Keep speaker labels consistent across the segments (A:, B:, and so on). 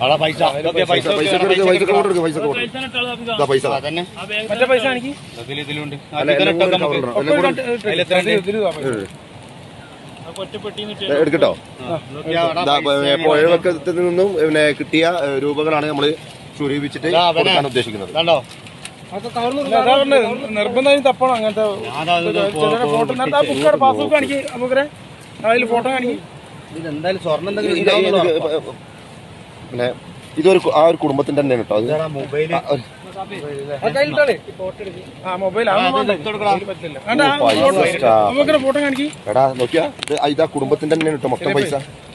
A: പൈസ
B: മറ്റേ പൈസ എനിക്ക്
A: ഇതിലുണ്ട്
C: എടുക്കട്ടോ. പുഴവക്കത്തിൽ നിന്നും പിന്നെ കിട്ടിയ രൂപകളാണ് നമ്മൾ സ്വരൂപിച്ചിട്ട് കൊടുക്കാൻ ഉദ്ദേശിക്കുന്നത്.
A: കണ്ടോ
B: നിർബന്ധമായും തപ്പണം അങ്ങനത്തെ ഫോട്ടോ. പാസ്ബുക്ക് കാണിക്ക് നമുക്കേ അതിൽ ഫോട്ടോ കാണിക്കും.
A: ഇതെന്തായാലും സ്വർണ്ണം
C: പിന്നെ ഇതൊരു ആ ഒരു കുടുംബത്തിന്റെ തന്നെയാണ് കേട്ടോ. അത്
A: മൊബൈല്
B: ഫോട്ടോ കാണിക്കും.
C: എടാ നോക്കിയാ ഇതാ കുടുംബത്തിന്റെ തന്നെയാണ് കേട്ടോ മൊത്തം പൈസ.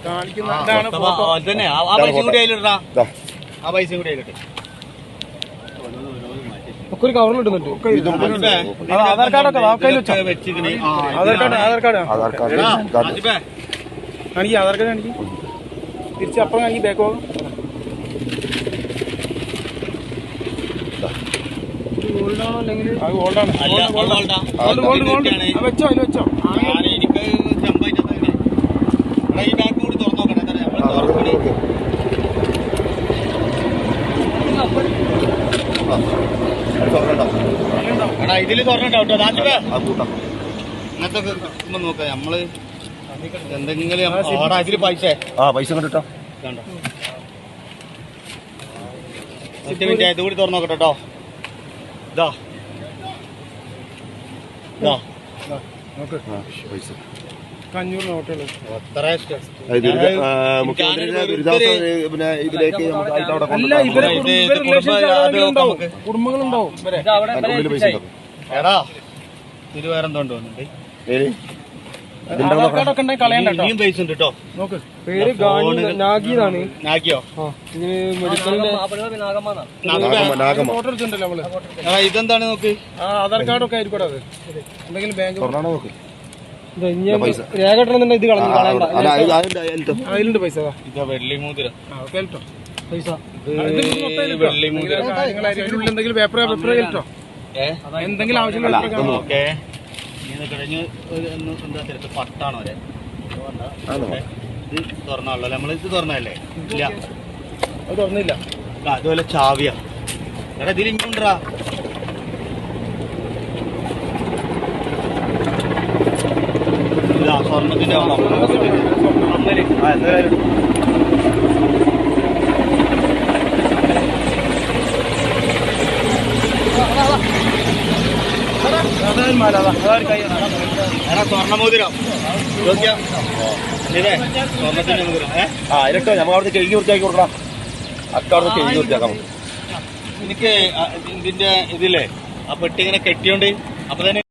B: ഒക്കെ ഒരു കവറിലിടുന്നുണ്ട്. ആധാർ കാർഡൊക്കെ ആധാർ കാർഡ് കാണിക്കും. ആധാർ കാർഡ് കാണിക്കും. തിരിച്ച് അപ്പുറം കാണിക്കും. ബാക്ക് പോകും. ഗോൾഡാണോ അല്ലെങ്കിൽ ഗോൾഡാണ്. വെച്ചോ അതിൽ വെച്ചോ.
A: ഈ ബാഗ് കൂടി തുറന്നു നോക്കട്ടെ. ഇതില് തുറന്നിട്ടോ അങ്ങനത്തെ നോക്കാം നമ്മള് എന്തെങ്കിലും ഇതില് പൈസ
C: കണ്ടിട്ടോ.
A: കണ്ടോ മിനിറ്റ് ഇത് കൂടി തുറന്നു നോക്കട്ടെ കേട്ടോ. ഇതാ
C: പൈസ
B: 500 നോട്ടുകൾ.
C: മുഖ്യമന്ത്രിയുടെ പിന്നെ ഇതിലേക്ക്
B: കുടുംബങ്ങളുണ്ടാവും.
A: എടാ ഇത് വേറെന്തോണ്ട് വന്നിട്ട് ഇനിയും പൈസ ഉണ്ട് കേട്ടോ. നോക്ക്
B: പേര് നാഗിയാണ്.
A: നാഗിയോ?
B: ഫോട്ടോ എടുത്തിട്ടുണ്ടല്ലോ നമ്മള്.
A: ഇതെന്താണ് നോക്ക്.
B: ആധാർ കാർഡൊക്കെ ആയിരിക്കും അത്. എന്തെങ്കിലും ബാങ്ക്
C: നോക്ക്.
B: രേഖ ഇടണമെന്നുണ്ടെങ്കിൽ ഇത് അതിലുണ്ട് പൈസ.
A: ഇതാ വെള്ളി മോതിരം.
B: പൈസ
A: വെള്ളി മോതിരം.
B: എന്തെങ്കിലും പേപ്പർ കേട്ടോ. എന്തെങ്കിലും ആവശ്യമുള്ള
A: കഴിഞ്ഞ് എന്താ തിരക്ക് പട്ടാണോ വരെ ഇത് തുറന്നാണല്ലോ. നമ്മളിത് തുറന്നല്ലേ? ഇല്ല
B: അത് തുറന്നില്ല.
A: അതുപോലെ ചാവിയാ. എടാ ഇതിൽ ഇങ്ങോട്ടാ. സ്വർണത്തിന്റെ സ്വർണ്ണമോതിരം ഇതേ സ്വർണത്തിന്റെ മോതിരം.
C: അതിനൊക്കെ നമ്മൾ അവിടെ കഴുകി വൃത്തിയാക്കി കൊടുക്കണം. അക്കവിടെ കഴുകി വൃത്തിയാക്കാം.
A: എനിക്ക് ഇതിന്റെ ഇതില്ലേ ആ പെട്ടി ഇങ്ങനെ കെട്ടിയോണ്ട് അപ്പൊ തന്നെ